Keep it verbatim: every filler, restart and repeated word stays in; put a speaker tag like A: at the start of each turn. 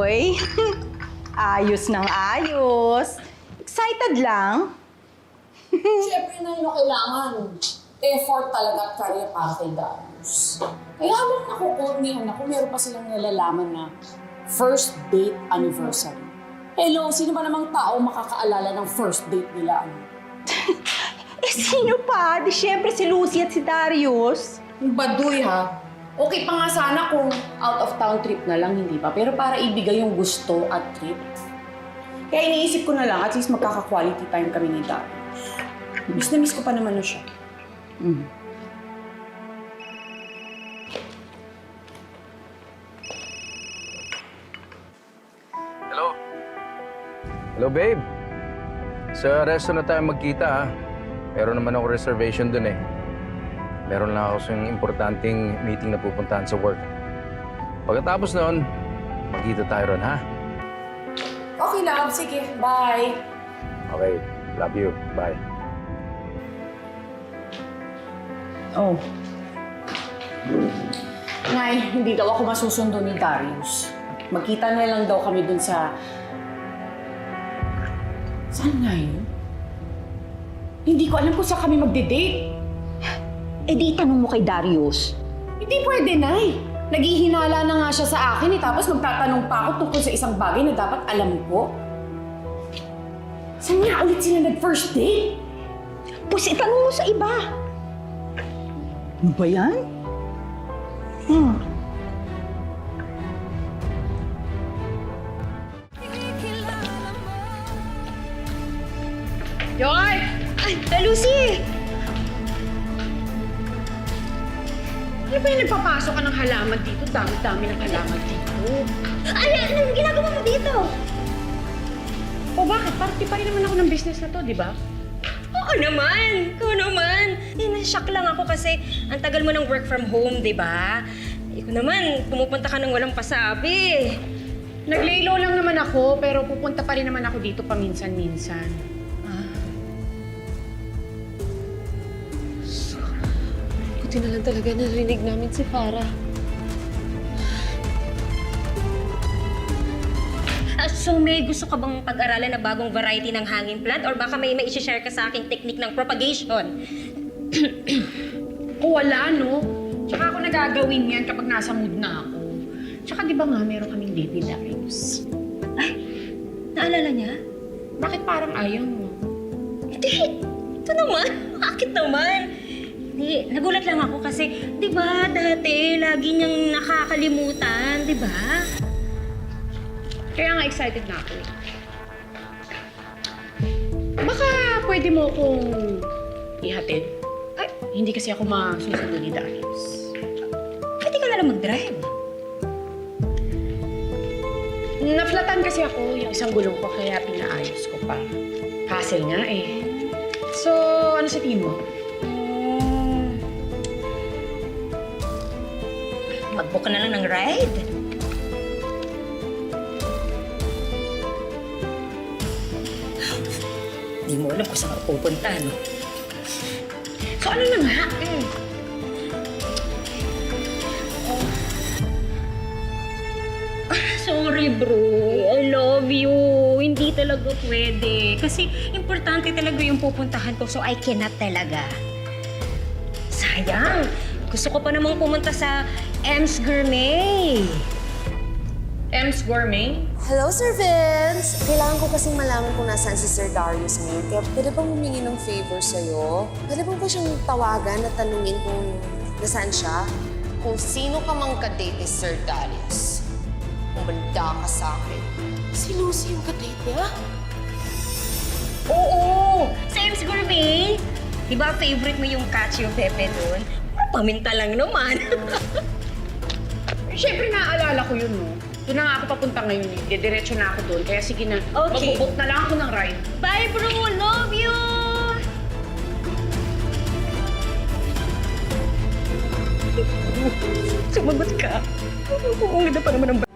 A: Uy, ayos ng ayos. Excited lang.
B: Siyempre na yun kailangan. Effort talaga at career para kay Darius. Kaya habang nakukornihan ako, meron pa silang nalalaman na first date anniversary. Hello, sino ba namang tao makakaalala ng first date nila? Ano?
A: Eh, sino pa? Di syempre si Lucy at si Darius.
B: Yung baduy ha. Okay pa nga sana kung out of town trip na lang, hindi pa. Pero para ibigay yung gusto at trip. Kaya iniisip ko na lang, at least magkaka-quality time kami ni Darius. Miss na miss ko pa naman na siya. Mm.
C: Hello? Hello, babe. Sa resto na tayo magkita, ha? Meron naman ako reservation dun, eh. Meron lang ako sa importanteng meeting na pupuntahan sa work. Pagkatapos noon, magkita tayo ron, ha?
B: Okay, love. Sige. Bye.
C: Okay. Love you. Bye.
B: Oh. Nay, hindi daw ako masusundo ni Darius. Magkita na lang daw kami dun sa... Saan nga yun? Hindi ko alam kung saan kami magde-date.
A: Eh di itanong mo kay Darius.
B: Hindi pwede, Nay. Naghihinala na nga siya sa akin eh, tapos magtatanong pa ako tungkol sa isang bagay na dapat alam ko. Saan nga ulit sila nag-first date?
A: Pues itanong mo sa iba. Ano ba yan? Hmm.
D: Joy! Ay, ay, Lucy! Ano ba yung nagpapasok ka ng halaman dito? Dami-dami ng halaman dito.
E: Ay, anong ginagawa mo dito?
D: O bakit? Party pa rin naman ako ng business na to, di ba?
E: Oo naman! Ikaw naman! Eh, na-shock lang ako kasi ang tagal mo ng work from home, di ba? Ikaw naman, pumupunta ka ng walang pasabi.
D: Naglaylo lang naman ako, pero pupunta pa rin naman ako dito paminsan-minsan.
E: Buti na lang talaga narinig namin si Farah. Ah, so may gusto ka bang pag-aralan na bagong variety ng hanging plant or baka may mai-share ka sa aking technique ng propagation?
D: O wala, no? Tsaka ako nagagawin yan kapag nasa mood na ako. Tsaka di ba nga meron kaming baby Darius?
E: Ay, naalala niya?
D: Bakit parang ayaw mo?
E: Hindi, ito naman. Bakit naman? Hindi, nagulat lang ako kasi, di ba, dati lagi niyang nakakalimutan, di ba?
D: Kaya nga excited na ako eh. Baka pwede mo akong ihatid? Ay, hindi kasi ako masusundo ni Darius.
E: Pwede ka na lang mag-drive.
D: Naflatan kasi ako yung isang gulong ko kaya pinaayos ko pa. Hassle nga eh. So, ano sa tingin mo?
E: Hmm. Mag-book ka na lang ng ride. Hindi mo alam kung saan ka pupunta, no?
D: So, ano na nga?
E: Mm. Sorry, bro. I love you. Hindi talaga pwede. Kasi importante talaga yung pupuntahan ko, so I cannot talaga. Sayang. Gusto ko pa namang pumunta sa M's Gourmet.
D: M's Gourmet?
F: Hello, Sir Vince! Kailangan ko kasing malaman kung nasaan si Sir Darius ngayon. Kaya pwede bang humingi ng favor sa'yo? Pwede bang ba siyang tawagan at tanungin kung nasaan siya? Kung sino ka mang kadate ni Sir Darius, umanda ka sa akin. Si Lucy yung kadate niya?
E: Oo! Sa M's Gourmet. Di ba favorite mo yung cacio pepe doon? Paminta lang naman.
D: Siyempre, naaalala ko yun, no? Doon na nga ako papunta ngayon eh. Didiretso na ako doon. Kaya sige na,
E: Okay.
D: magbubook na lang ako ng ride.
E: Bye, bro! Love you! Sumagot ka. Ang ganda pa naman ng